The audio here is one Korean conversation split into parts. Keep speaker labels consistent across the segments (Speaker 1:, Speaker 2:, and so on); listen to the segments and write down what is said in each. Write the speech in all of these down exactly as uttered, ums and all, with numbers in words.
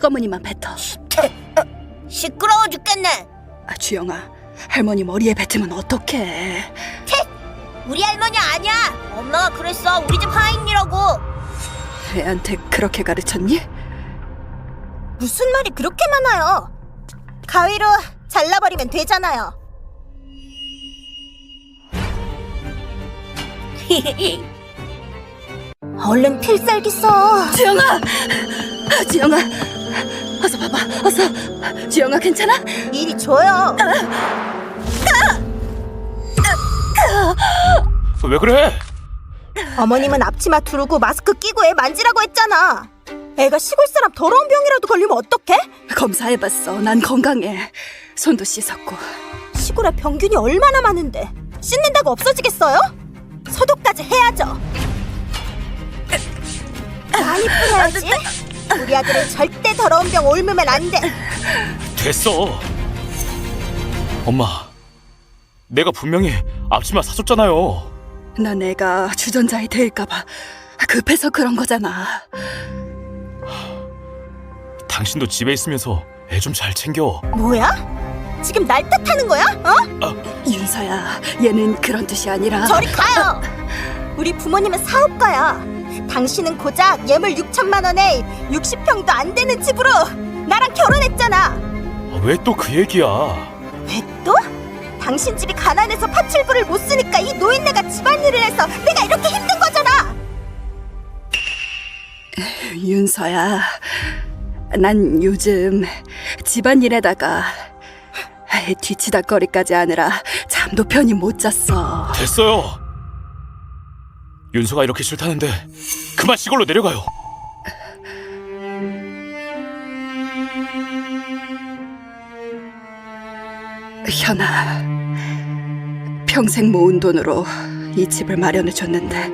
Speaker 1: 시꺼머니만 뱉어.
Speaker 2: 시끄러워 죽겠네.
Speaker 1: 아, 주영아, 할머니 머리에 뱉으면 어떡해.
Speaker 2: 우리 할머니 아니야. 엄마가 그랬어. 우리 집 하인이라고.
Speaker 1: 애한테 그렇게 가르쳤니?
Speaker 2: 무슨 말이 그렇게 많아요. 가위로 잘라버리면 되잖아요. 얼른 필살기 써.
Speaker 1: 주영아! 아, 주영아! 어서 봐봐, 어서. 주영아, 괜찮아?
Speaker 2: 이리 줘요.
Speaker 3: 왜 그래?
Speaker 2: 어머님은 앞치마 두르고 마스크 끼고 애 만지라고 했잖아. 애가 시골 사람 더러운 병이라도 걸리면 어떡해?
Speaker 1: 검사해봤어. 난 건강해. 손도 씻었고.
Speaker 2: 시골에 병균이 얼마나 많은데 씻는다고 없어지겠어요? 소독까지 해야죠. 많이 뿌려야지. 우리 아들은 절대 더러운 병 옮으면 안 돼.
Speaker 3: 됐어. 엄마, 내가 분명히 앞치마 사줬잖아요.
Speaker 1: 난 애가 주전자에 데일까봐 급해서 그런 거잖아.
Speaker 3: 당신도 집에 있으면서 애 좀 잘 챙겨.
Speaker 2: 뭐야? 지금 날 탓하는 거야? 어?
Speaker 1: 윤서야, 얘는 그런 뜻이 아니라.
Speaker 2: 저리 가요. 우리 부모님은 사업가야. 당신은 고작 예물 육천만 원에 육십 평도 안 되는 집으로 나랑 결혼했잖아.
Speaker 3: 왜 또 그 얘기야?
Speaker 2: 왜 또? 당신 집이 가난해서 파출부를 못 쓰니까 이 노인네가 집안일을 해서 내가 이렇게 힘든 거잖아.
Speaker 1: 윤서야, 난 요즘 집안일에다가 애 뒤치다거리까지 하느라 잠도 편히 못 잤어.
Speaker 3: 됐어요. 윤서가 이렇게 싫다는데 그만 시골로 내려가요.
Speaker 1: 현아, 평생 모은 돈으로 이 집을 마련해줬는데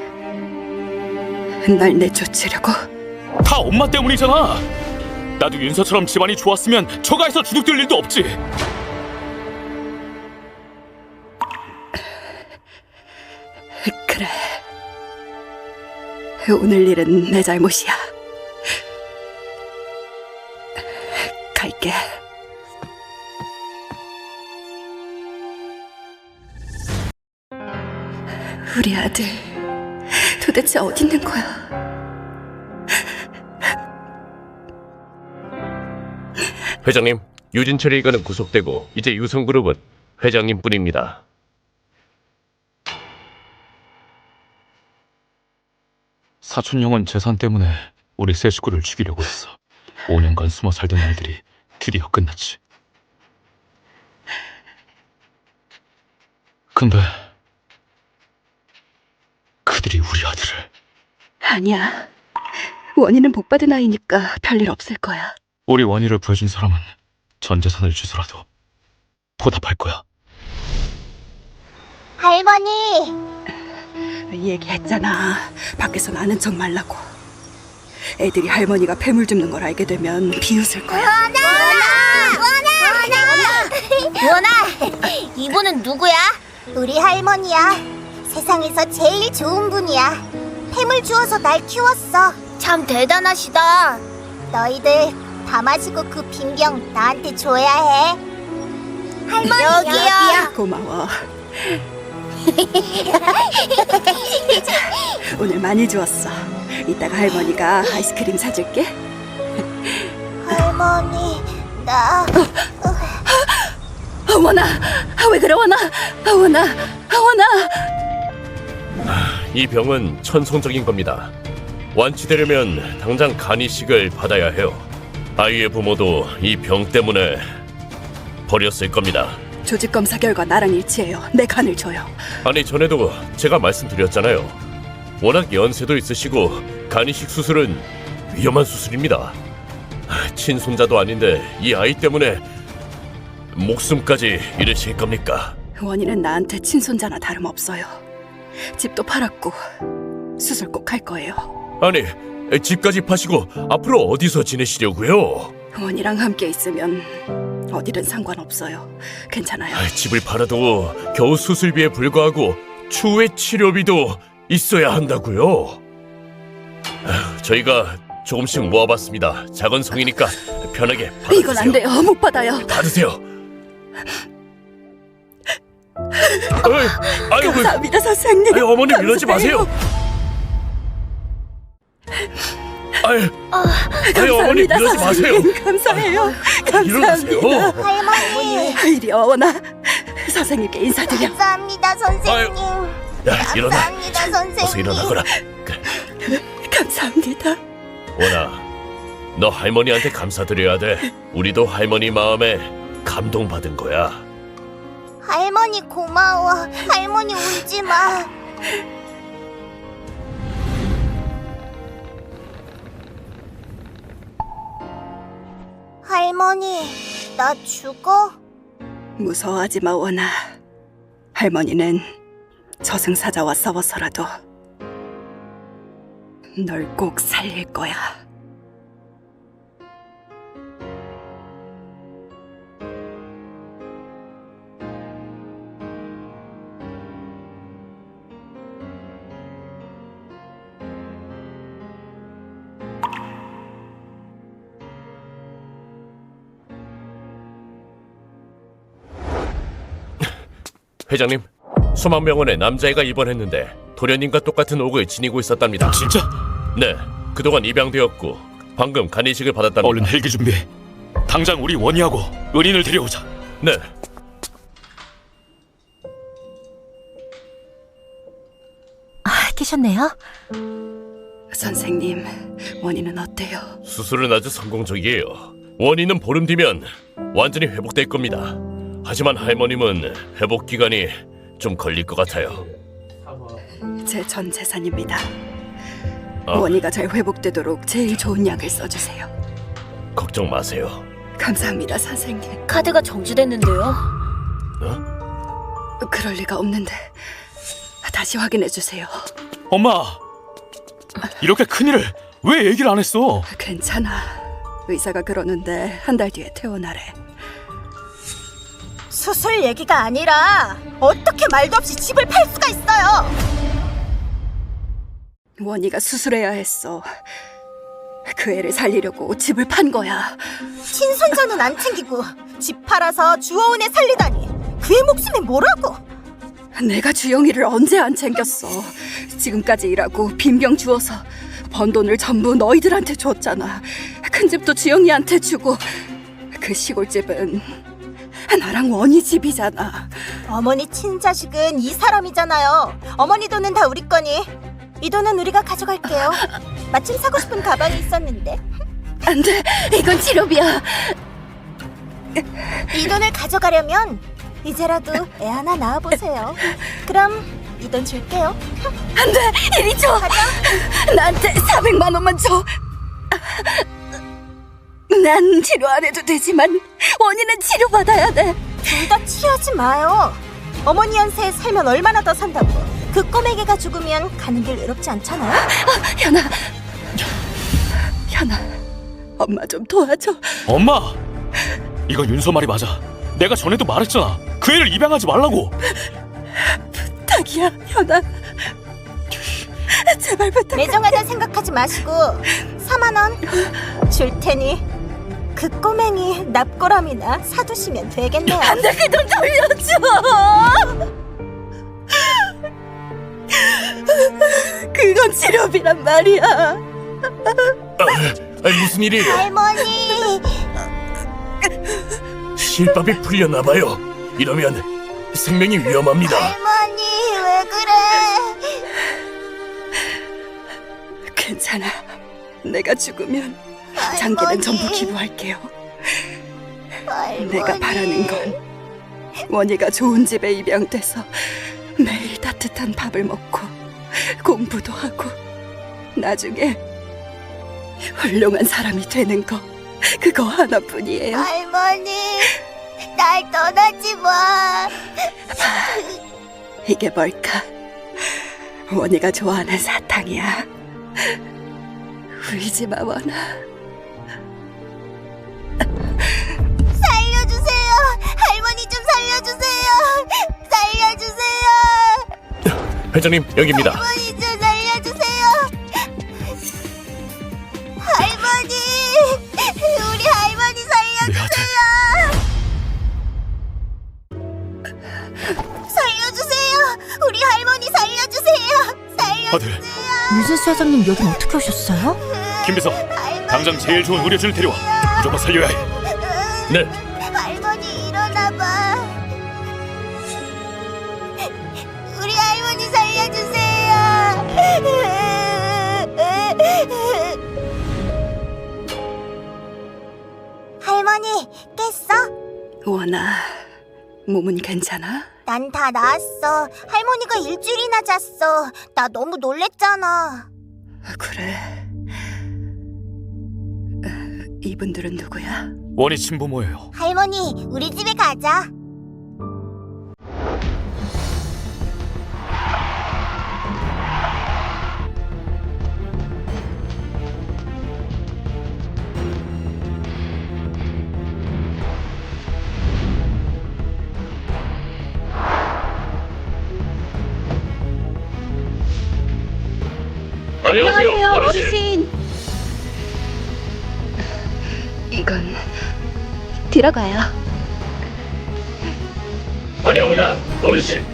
Speaker 1: 날 내쫓으려고?
Speaker 3: 다 엄마 때문이잖아. 나도 윤서처럼 집안이 좋았으면 처가에서 주눅들 일도 없지.
Speaker 1: 그래, 오늘 일은 내 잘못이야. 갈게. 우리 아들 도대체 어디 있는 거야?
Speaker 4: 회장님, 유진철이 이가는 구속되고 이제 유성그룹은 회장님뿐입니다.
Speaker 3: 사촌 형은 재산 때문에 우리 세 식구를 죽이려고 했어. 오 년간 숨어 살던 일들이 드디어 끝났지. 근데 그들이 우리 아들을.
Speaker 1: 아니야, 원희는 복 받은 아이니까 별일 없을 거야.
Speaker 3: 우리 원희를 구해준 사람은 전 재산을 주서라도 보답할 거야.
Speaker 2: 할머니.
Speaker 1: 얘기했잖아, 밖에서 나는 척 말라고. 애들이 할머니가 폐물 줍는 걸 알게 되면 비웃을 거야.
Speaker 2: 원아! 원아! 원아! 원아! 이분은 누구야? 우리 할머니야. 세상에서 제일 좋은 분이야. 햄을 주어서 날 키웠어. 참 대단하시다. 너희들 다 마시고 그 빈병 나한테 줘야 해. 할머니 여기요.
Speaker 1: 고마워. 오늘 많이 주웠어. 이따가 할머니가 아이스크림 사줄게.
Speaker 2: 할머니, 나...
Speaker 1: 원아, 왜 그래 원아? 원아, 원아.
Speaker 4: 이 병은 천성적인 겁니다. 완치되려면 당장 간이식을 받아야 해요. 아이의 부모도 이 병 때문에 버렸을 겁니다.
Speaker 1: 조직 검사 결과 나랑 일치해요. 내 간을 줘요.
Speaker 4: 아니, 전에도 제가 말씀드렸잖아요. 워낙 연세도 있으시고 간이식 수술은 위험한 수술입니다. 친손자도 아닌데 이 아이 때문에 목숨까지 잃으실 겁니까?
Speaker 1: 원희는 나한테 친손자나 다름없어요. 집도 팔았고 수술 꼭 할 거예요.
Speaker 4: 아니, 집까지 파시고 앞으로 어디서 지내시려고요?
Speaker 1: 원희랑 함께 있으면 어디든 상관없어요. 괜찮아요.
Speaker 4: 아, 집을 팔아도 겨우 수술비에 불과하고 추후의 치료비도 있어야 한다고요. 아, 저희가 조금씩 모아봤습니다. 작은 송이니까 편하게 받아주세요.
Speaker 1: 이건 안 돼요. 못 받아요.
Speaker 4: 받으세요. 아유, 아유, 왜-
Speaker 1: 감사합니다, 선생님.
Speaker 4: 아유, 어머님 이러지
Speaker 1: 감사해요.
Speaker 4: 마세요. 아유, 아유, 어머님
Speaker 1: 감사합니다,
Speaker 4: 이러지 마세요.
Speaker 1: 선생님. 감사해요.
Speaker 4: 일어나세요.
Speaker 1: 감사합니다.
Speaker 2: 할머니.
Speaker 1: 이리 어머나. 선생님께 인사드려.
Speaker 2: 감사합니다, 선생님.
Speaker 4: 야, 일어나.
Speaker 2: 감사합니다, 선생님.
Speaker 4: 어서 일어나거라.
Speaker 1: 감사합니다.
Speaker 4: 원아, 너 할머니한테 감사드려야 돼. 우리도 할머니 마음에 감동받은 거야.
Speaker 2: 할머니 고마워. 할머니 울지 마. 할머니, 나 죽어?
Speaker 1: 무서워하지 마, 원아. 할머니는 저승사자와 싸워서라도 널 꼭 살릴 거야.
Speaker 4: 회장님, 소망병원에 남자애가 입원했는데 도련님과 똑같은 옥을 지니고 있었답니다.
Speaker 3: 진짜?
Speaker 4: 네, 그동안 입양되었고 방금 간이식을 받았답니다.
Speaker 3: 얼른 헬기 준비해. 당장 우리 원희하고 은인을 데려오자.
Speaker 4: 네,
Speaker 2: 아, 계셨네요.
Speaker 1: 선생님, 원인은 어때요?
Speaker 4: 수술은 아주 성공적이에요. 원인은 보름 뒤면 완전히 회복될 겁니다. 하지만 할머님은 회복 기간이 좀 걸릴 것 같아요.
Speaker 1: 제 전 재산입니다.
Speaker 4: 아,
Speaker 1: 원희가 잘 회복되도록 제일 좋은 약을 써주세요.
Speaker 4: 걱정 마세요.
Speaker 1: 감사합니다, 선생님.
Speaker 2: 카드가 정지됐는데요.
Speaker 1: 그럴 리가 없는데 다시 확인해 주세요.
Speaker 3: 엄마! 이렇게 큰일을 왜 얘기를 안 했어?
Speaker 1: 괜찮아. 의사가 그러는데 한 달 뒤에 퇴원하래.
Speaker 2: 수술 얘기가 아니라 어떻게 말도 없이 집을 팔 수가 있어요?
Speaker 1: 원희가 수술해야 했어. 그 애를 살리려고 집을 판 거야.
Speaker 2: 친손자는 안 챙기고 집 팔아서 주워온 애 살리다니 그 애 목숨이 뭐라고?
Speaker 1: 내가 주영이를 언제 안 챙겼어. 지금까지 일하고 빈병 주워서 번 돈을 전부 너희들한테 줬잖아. 큰 집도 주영이한테 주고 그 시골집은 나랑 원희 집이잖아.
Speaker 2: 어머니 친자식은 이 사람이잖아요. 어머니 돈은 다 우리 거니 이 돈은 우리가 가져갈게요. 마침 사고 싶은 가방이 있었는데
Speaker 1: 안 돼, 이건 치료비야.
Speaker 2: 이 돈을 가져가려면 이제라도 애 하나 낳아보세요. 그럼 이 돈 줄게요.
Speaker 1: 안 돼, 이리 줘. 나한테 사백만 원만 줘. 난 치료 안 해도 되지만 원희는 치료받아야 돼.
Speaker 2: 둘 다 치하지 마요. 어머니 연세에 살면 얼마나 더 산다고. 그 꼬맹이가 죽으면 가는 길 외롭지 않잖아요.
Speaker 1: 현아, 현아, 엄마 좀 도와줘.
Speaker 3: 엄마! 이건 윤서 말이 맞아. 내가 전에도 말했잖아. 그 애를 입양하지 말라고.
Speaker 1: 부탁이야, 현아. 제발 부탁.
Speaker 2: 매정하다 생각하지 마시고 사만 원 줄 테니 그 꼬맹이 납골함이나 사두시면 되겠네요.
Speaker 1: 안돼, 그 돈 돌려줘. 그건 치료비란 말이야.
Speaker 4: 아, 무슨 일이에요?
Speaker 2: 할머니,
Speaker 4: 실밥이 풀렸나 봐요. 이러면 생명이 위험합니다.
Speaker 2: 할머니 왜 그래?
Speaker 1: 괜찮아. 내가 죽으면
Speaker 2: 할머니.
Speaker 1: 장기는 전부 기부할게요.
Speaker 2: 할머니.
Speaker 1: 내가 바라는 건 원희가 좋은 집에 입양돼서 매일 따뜻한 밥을 먹고 공부도 하고 나중에 훌륭한 사람이 되는 거, 그거 하나뿐이에요.
Speaker 2: 할머니, 날 떠나지 마.
Speaker 1: 이게 뭘까? 원희가 좋아하는 사탕이야. 울지 마, 원아.
Speaker 2: 살려주세요. 할머니 좀 살려주세요. 살려주세요.
Speaker 4: 회장님, 여기입니다.
Speaker 2: 할머니 좀 살려주세요. 사장님 여긴 어떻게 오셨어요?
Speaker 3: 김비서, 당장 제일 좋은 의료진을 데려와. 무조건 살려야 해.
Speaker 4: 네.
Speaker 2: 할머니 일어나봐. 우리 할머니 살려주세요. 할머니 깼어?
Speaker 1: 원아, 몸은 괜찮아?
Speaker 2: 난 다 나았어. 할머니가 일주일이나 잤어. 나 너무 놀랬잖아.
Speaker 1: 그래. 어, 이분들은 누구야?
Speaker 3: 원희 친부모예요.
Speaker 2: 할머니, 우리 집에 가자.
Speaker 4: 안녕하세요,
Speaker 1: 어르신. 이건 들어가요.
Speaker 4: 환영합니다, 어르신.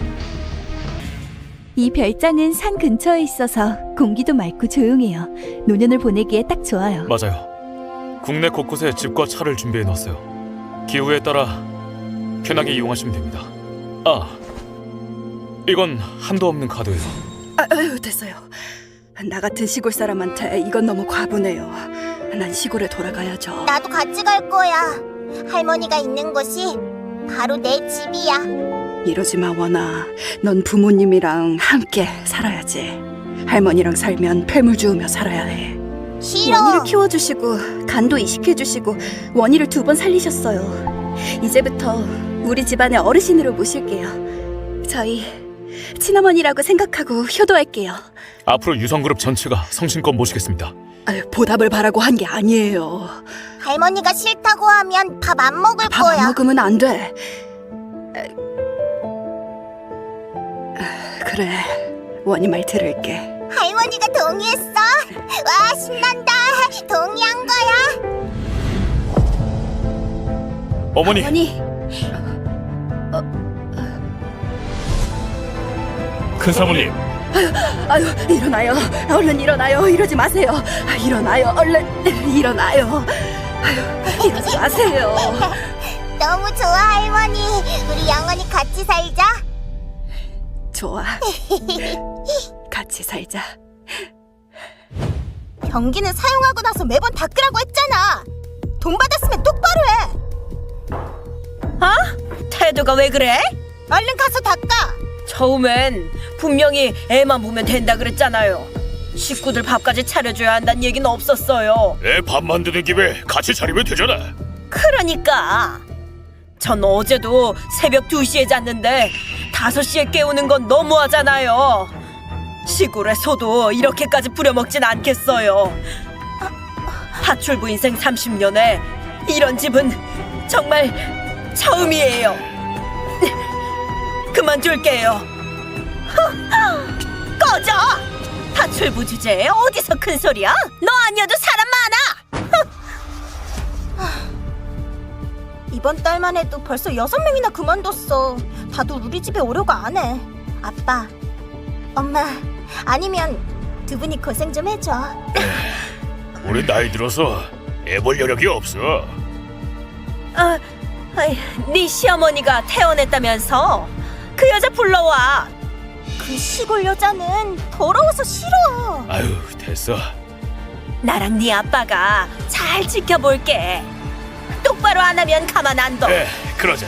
Speaker 5: 이 별장은 산 근처에 있어서 공기도 맑고 조용해요. 노년을 보내기에 딱 좋아요.
Speaker 3: 맞아요. 국내 곳곳에 집과 차를 준비해 놨어요. 기후에 따라 편하게 이용하시면 됩니다. 아, 이건 한도 없는 카드예요.
Speaker 1: 아, 아유, 됐어요. 나 같은 시골 사람한테 이건 너무 과분해요. 난 시골에 돌아가야죠.
Speaker 2: 나도 같이 갈 거야. 할머니가 있는 곳이 바로 내 집이야.
Speaker 1: 이러지 마, 원아. 넌 부모님이랑 함께 살아야지. 할머니랑 살면 폐물 주우며 살아야 해.
Speaker 2: 싫어.
Speaker 1: 원희를 키워주시고 간도 이식해주시고 원희를 두 번 살리셨어요. 이제부터 우리 집안의 어르신으로 모실게요. 저희 친어머니라고 생각하고 효도할게요.
Speaker 3: 앞으로 유성그룹 전체가 성심껏 모시겠습니다.
Speaker 1: 아유, 보답을 바라고 한 게 아니에요.
Speaker 2: 할머니가 싫다고 하면 밥 안 먹을
Speaker 1: 밥
Speaker 2: 거야.
Speaker 1: 안 먹으면 안 돼. 아, 그래, 원희 말 들을게.
Speaker 2: 할머니가 동의했어. 와, 신난다. 동의한 거야.
Speaker 3: 어머니,
Speaker 1: 원희,
Speaker 4: 큰 사모님,
Speaker 1: 아유, 일어나요. 얼른 일어나요. 이러지 마세요. 아, 일어나요. 얼른 일어나요. 아유, 이러지 마세요.
Speaker 2: 너무 좋아, 할머니. 우리 영원히 같이 살자.
Speaker 1: 좋아. 같이 살자.
Speaker 2: 변기는 사용하고 나서 매번 닦으라고 했잖아. 돈 받았으면 똑바로 해.
Speaker 6: 태도가 왜 그래?
Speaker 2: 얼른 가서 닦아.
Speaker 6: 처음엔 분명히 애만 보면 된다 그랬잖아요. 식구들 밥까지 차려줘야 한다는 얘기는 없었어요.
Speaker 3: 애 밥 만드는 김에 같이 차리면 되잖아.
Speaker 6: 그러니까 전 어제도 새벽 두 시에 잤는데 다섯 시에 깨우는 건 너무하잖아요. 시골에서도 이렇게까지 부려먹진 않겠어요. 파출부 인생 삼십 년에 이런 집은 정말 처음이에요. 그만둘게요. 꺼져! 파출부 주제에 어디서 큰 소리야? 너 아니어도 사람 많아!
Speaker 2: 이번 달만 해도 벌써 여섯 명이나 그만뒀어. 다들 우리 집에 오려고 안 해. 아빠, 엄마, 아니면 두 분이 고생 좀 해줘.
Speaker 3: 우리 나이 들어서 애 볼 여력이 없어.
Speaker 6: 아, 아이, 네 시어머니가 태어냈다면서? 그 여자 불러와.
Speaker 2: 그 시골 여자는 더러워서 싫어.
Speaker 3: 아유, 됐어.
Speaker 6: 나랑 네 아빠가 잘 지켜볼게. 똑바로 안 하면 가만 안 둬.
Speaker 3: 네, 그러자.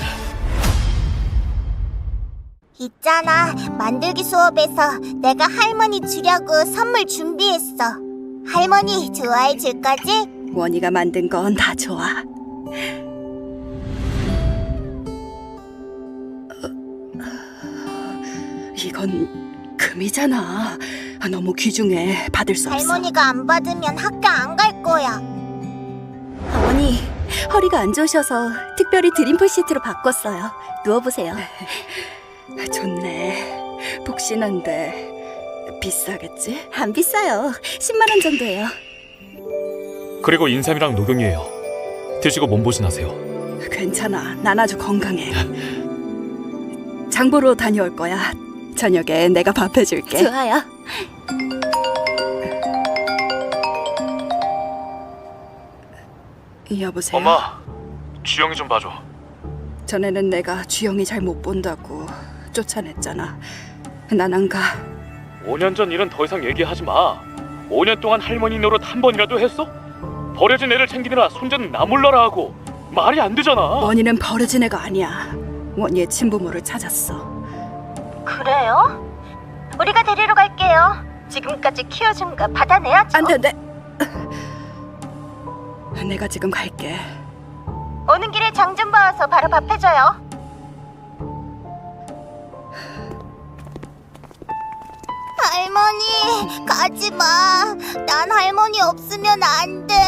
Speaker 2: 있잖아, 만들기 수업에서 내가 할머니 주려고 선물 준비했어. 할머니 좋아해 줄 거지?
Speaker 1: 원희가 만든 건 다 좋아. 이건 금이잖아. 아, 너무 귀중해. 받을 수 없어.
Speaker 2: 할머니가 안 받으면 학교 안 갈 거야.
Speaker 1: 어머니, 허리가 안 좋으셔서 특별히 드림풀 시트로 바꿨어요. 누워보세요. 좋네. 푹신한데 비싸겠지? 안 비싸요. 십만 원 정도예요.
Speaker 3: 그리고 인삼이랑 녹용이에요. 드시고 몸보신하세요.
Speaker 1: 괜찮아. 난 아주 건강해. 장보러 다녀올 거야. 저녁에 내가 밥 해줄게.
Speaker 5: 좋아요.
Speaker 1: 여보세요?
Speaker 3: 엄마, 주영이 좀 봐줘.
Speaker 1: 전에는 내가 주영이 잘 못 본다고 쫓아냈잖아. 난 안 가.
Speaker 3: 오 년 전 일은 더 이상 얘기하지 마. 오 년 동안 할머니 노릇 한 번이라도 했어? 버려진 애를 챙기느라 손자는 나 몰라라 하고 말이 안 되잖아.
Speaker 1: 원희는 버려진 애가 아니야. 원희의 친부모를 찾았어.
Speaker 2: 그래요? 우리가 데리러 갈게요. 지금까지 키워준 거 받아내야죠.
Speaker 1: 안 돼, 내. 내가 지금 갈게.
Speaker 2: 오는 길에 장 좀 봐와서 바로 밥 해줘요. 할머니, 가지 마. 난 할머니 없으면 안 돼.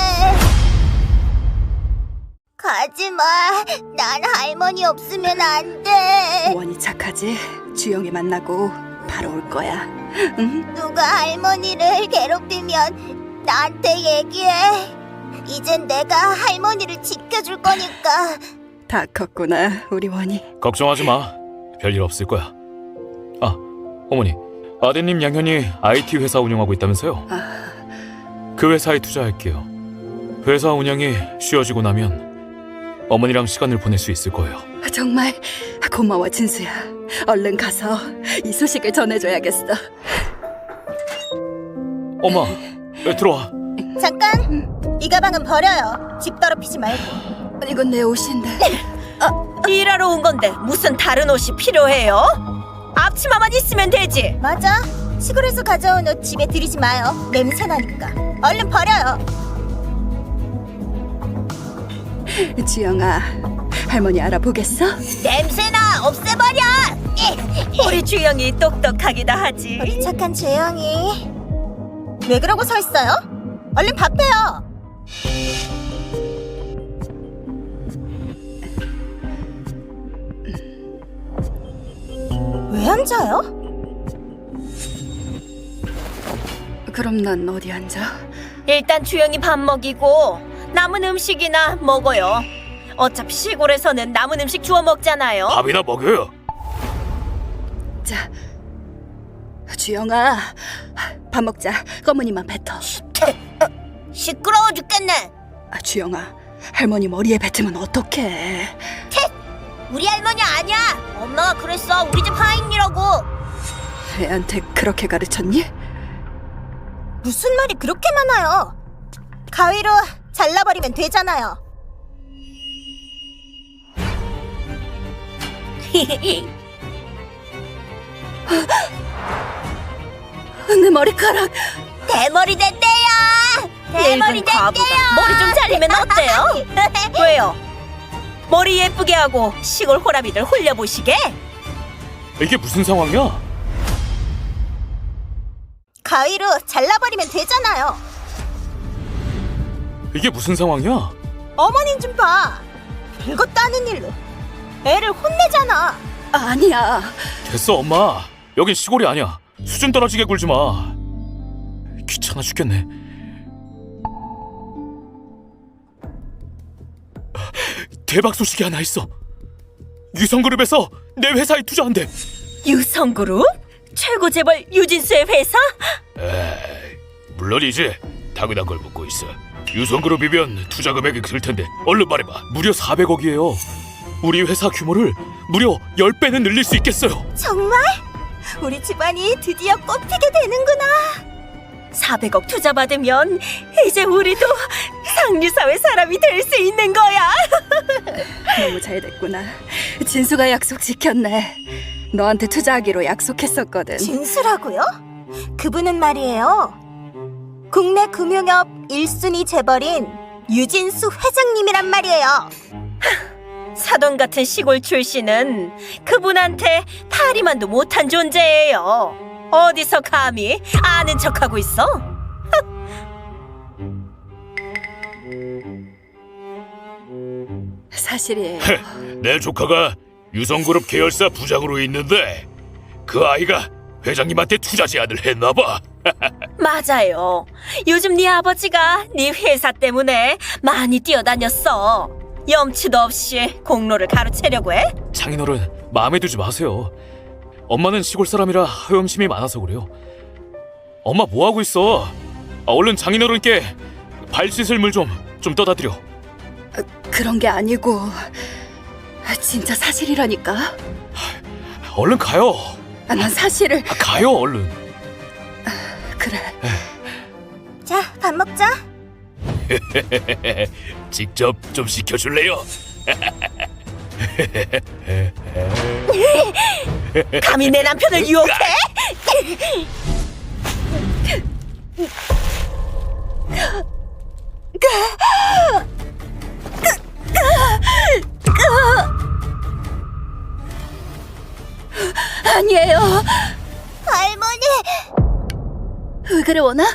Speaker 2: 가지 마. 난 할머니 없으면 안 돼.
Speaker 1: 원희 착하지? 주영이 만나고 바로 올 거야. 응?
Speaker 2: 누가 할머니를 괴롭히면 나한테 얘기해. 이젠 내가 할머니를 지켜줄 거니까.
Speaker 1: 다 컸구나, 우리 원희.
Speaker 3: 걱정하지 마. 별일 없을 거야. 아, 어머니. 아드님 양현이 아이티 회사 운영하고 있다면서요?
Speaker 1: 아,
Speaker 3: 그 회사에 투자할게요. 회사 운영이 쉬워지고 나면 어머니랑 시간을 보낼 수 있을 거예요.
Speaker 1: 정말 고마워, 진수야. 얼른 가서 이 소식을 전해줘야겠어.
Speaker 3: 엄마, 에, 들어와.
Speaker 2: 잠깐. 이 가방은 버려요. 집 더럽히지 말고.
Speaker 1: 이건 내 옷인데.
Speaker 6: 일하러 온 건데 무슨 다른 옷이 필요해요? 앞치마만 있으면 되지.
Speaker 2: 맞아. 시골에서 가져온 옷 집에 들이지 마요. 냄새 나니까. 얼른 버려요.
Speaker 1: 주영아, 할머니 알아보겠어?
Speaker 2: 냄새나. 없애버려.
Speaker 6: 우리 주영이 똑똑하기도 하지.
Speaker 2: 우리 착한 주영이. 왜 그러고 서 있어요? 얼른 밥해요. 왜 앉아요?
Speaker 1: 그럼 난 어디 앉아?
Speaker 6: 일단 주영이 밥 먹이고 남은 음식이나 먹어요. 어차피 시골에서는 남은 음식 주워 먹잖아요.
Speaker 3: 밥이나 먹여요.
Speaker 1: 자, 주영아, 밥 먹자. 검은이만 뱉어.
Speaker 2: 시끄러워 죽겠네.
Speaker 1: 아, 주영아, 할머니 머리에 뱉으면 어떡해?
Speaker 2: 우리 할머니 아니야. 엄마가 그랬어. 우리 집 하인이라고.
Speaker 1: 애한테 그렇게 가르쳤니?
Speaker 2: 무슨 말이 그렇게 많아요? 가위로 잘라버리면 되잖아요.
Speaker 1: 내 머리카락.
Speaker 2: 대머리 됐대요. 대머리
Speaker 6: 늙은 과부가
Speaker 2: 됐대요.
Speaker 6: 머리 좀 자르면 어때요? 왜요? 머리 예쁘게 하고 시골 호라비들 홀려보시게?
Speaker 3: 이게 무슨 상황이야?
Speaker 2: 가위로 잘라버리면 되잖아요.
Speaker 3: 이게 무슨 상황이야?
Speaker 2: 어머님 좀 봐. 별것도 아닌 일로 애를 혼내잖아.
Speaker 1: 아, 아니야.
Speaker 3: 됐어, 엄마. 여긴 시골이 아니야. 수준 떨어지게 굴지 마. 귀찮아 죽겠네. 대박 소식이 하나 있어. 유성그룹에서 내 회사에 투자한대.
Speaker 6: 유성그룹? 최고 재벌 유진수의 회사?
Speaker 3: 에이, 물론이지. 당연한 걸 묻고 있어. 유성그룹이면 투자 금액이 클 텐데 얼른 말해봐. 무려 사백억이에요. 우리 회사 규모를 무려 십 배는 늘릴 수 있겠어요.
Speaker 2: 정말? 우리 집안이 드디어 꽃피게 되는구나.
Speaker 6: 사백억 투자 받으면 이제 우리도 상류사회 사람이 될 수 있는 거야.
Speaker 1: 너무 잘 됐구나. 진수가 약속 지켰네. 너한테 투자하기로 약속했었거든.
Speaker 2: 진수라고요? 그분은 말이에요. 국내 금융업 일 순위 재벌인 유진수 회장님이란 말이에요.
Speaker 6: 사돈 같은 시골 출신은 그분한테 파리만도 못한 존재예요. 어디서 감히 아는 척하고 있어?
Speaker 1: 사실이에요.
Speaker 3: 내 조카가 유성그룹 계열사 부장으로 있는데 그 아이가 회장님한테 투자 제안을 했나봐.
Speaker 6: 맞아요. 요즘 네 아버지가 네 회사 때문에 많이 뛰어다녔어. 염치도 없이 공로를 가로채려고 해?
Speaker 3: 장인어른 마음에 두지 마세요. 엄마는 시골 사람이라 하염심이 많아서 그래요. 엄마 뭐 하고 있어? 아, 얼른 장인어른께 발 씻을 물 좀 좀 떠다 드려.
Speaker 1: 그런 게 아니고 진짜 사실이라니까.
Speaker 3: 얼른 가요.
Speaker 1: 아, 난 사실을.
Speaker 3: 아, 가요 얼른.
Speaker 1: 그래.
Speaker 2: 자, 밥 먹자.
Speaker 3: 직접 좀 시켜줄래요?
Speaker 6: 감히 내 남편을 유혹해?
Speaker 1: 아니에요.
Speaker 2: 할머니!
Speaker 1: 왜 그래 원아?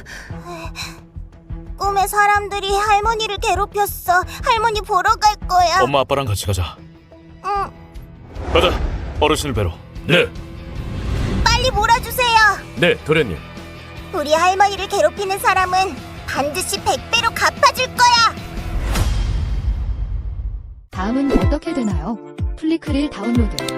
Speaker 2: 꿈에 사람들이 할머니를 괴롭혔어. 할머니 보러 갈 거야.
Speaker 3: 엄마 아빠랑 같이 가자.
Speaker 2: 응,
Speaker 3: 가자. 어르신을 뵈러.
Speaker 4: 네,
Speaker 2: 빨리 몰아주세요.
Speaker 4: 네, 도련님.
Speaker 2: 우리 할머니를 괴롭히는 사람은 반드시 백 배로 갚아줄 거야.
Speaker 7: 다음은 어떻게 되나요? 플리크릴 다운로드.